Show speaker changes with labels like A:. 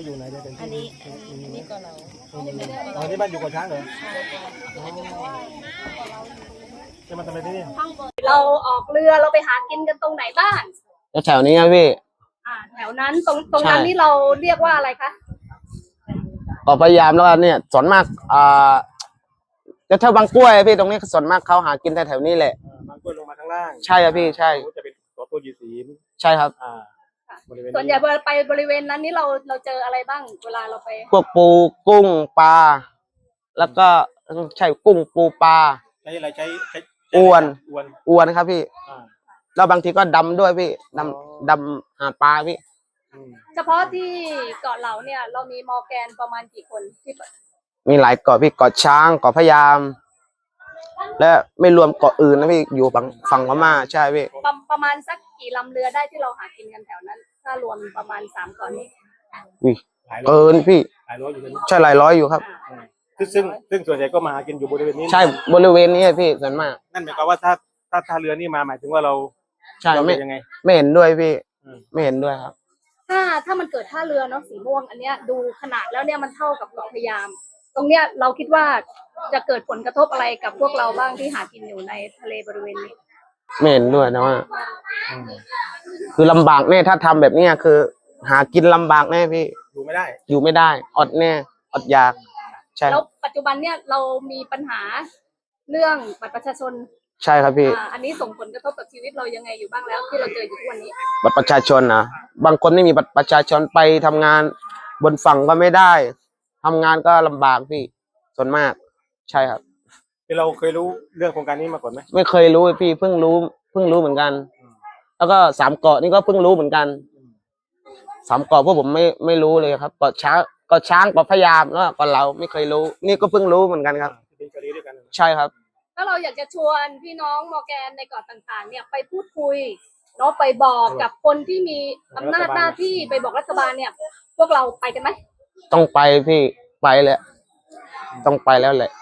A: อยู่ไหนเนี่ยเป็น
B: อัน
A: ที่
B: นี้ก็เรา
A: อ๋อนี่บ้านอยู่กับช้างเหรอจะมาทำอะไรที่นี่
C: เราออกเรือเราไปหากินกันตรงไหนบ้าง
D: แถวนี้ครับพี่
C: แถวนั้นตรงนั้นนี่เราเรียกว่าอะไรคะ
D: ก็พยายามแล้วกันเนี่ยส่วนมากจะแถวบางกล้วยพี่ตรงนี้ส่วนมากเขาหากินแถวๆนี้แหละ
A: บางกล้วยลงมาข้างล่าง
D: ใช่ครับพี่ใช่
A: จะเป็นตัวยีสีม
D: ใช่ครับ
A: บริเวณ
C: ส่วนใหญ่เวลาไปบริเวณนั้นนี่เราเจออะไรบ้างเวลาเราไป
D: พวกปูกุ้งปลาแล้วก็ใช่กุ้งปูปลา
A: ใช้อะไรใช้
D: อวน
A: อวน
D: ครับพี่แล้วบางทีก็ดำด้วยพี่ดำหาปลาพี่
C: เฉพาะที่เกาะเหลาเนี่ยเรามีมอร์แกนประมาณกี่คนที่
D: มีหลายเกาะพี่เกาะช้างเกาะพะยาม และไม่รวมเกาะอื่นนะพี่อยู่ฝั่งพม่าใช่พี่
C: ประมาณสักกี่ลำเรือได้ที่เราหากินกันแถวนั้น ถ้ารวมประมาณ3เกาะนี้
D: อุ้ยเกินพี่
A: หลายร้อยอยู่กัน
D: ใช่หลายร้อยอยู่ครับ
A: ซึ่งส่วนใหญ่ก็มาหากินอยู่บริเวณนี้
D: ใช่บริเวณนี้พี่ส่วนมาก
A: นั่นหมายความว่าถ้าเรือนี่มาหมายถึงว่าเรา
D: ใช่
A: เรา
D: ไม่
A: เป็นยังไง
D: ไม่เห็นด้วยพี่ไม่เห็นด้วยครับ
C: ถ้ามันเกิดท่าเรือเนาะสีม่วงอันเนี้ยดูขนาดแล้วเนี่ยมันเท่ากับเกาะพะยาม ตรงเนี้ยเราคิดว่าจะเกิดผลกระทบอะไรกับพวกเราบ้างที่หากินอยู่ในทะเลบริเวณนี้
D: ไม่เห็นด้วยนะว่าคือลำบากแน่ถ้าทำแบบเนี้ยคือ หากินลำบากแน่พี่
A: อยู่ไม่ได้
D: อยู่ไม่ได้อดแน่อดอยากใช่
C: แล้วปัจจุบันเนี่ยเรามีปัญหาเรื่องบัตรประชาชน
D: ใช่ครับพี่
C: อันนี้ส่งผลกระทบกับชีวิตเรายังไงอยู่บ้างแล้วที่เราเจออยู่ทุกวันนี้
D: บัตรประชาชนนะบางคนไม่มีบัตรประชาชนไปทำงานบนฝั่งก็ไม่ได้ทำงานก็ลำบากพี่ส่วนมาก ใช่ครับ
A: คือเราเคยรู้เรื่องโครงการนี้มาก่อนไหม
D: ไม่เคยรู้พี่เพิ่งรู้เหมือนกัน แล้วก็3เกาะนี่ก็เพิ่งรู้เหมือนกัน3เกาะพวกผมไม่รู้เลยครับเกาะช้างเกาะพะยามแล้วก็เราไม่เคยรู้ นี่ก็เพิ่งรู้เหมือนกันครับ
A: เป็นกรณีด้วยกัน
D: ใช่ครับ
C: ถ้าเราอยากจะชวนพี่น้องมอร์แกนในเกาะต่างๆ เนี่ยไปพูดคุยเนาะไปบอกกับคนที่มีอำนาจหน้าที่ไปบอกรัฐบาลเนี่ย พวกเราไปกันไหม
D: ต้องไปพี่ไปแหละต้องไปแล้วแหละ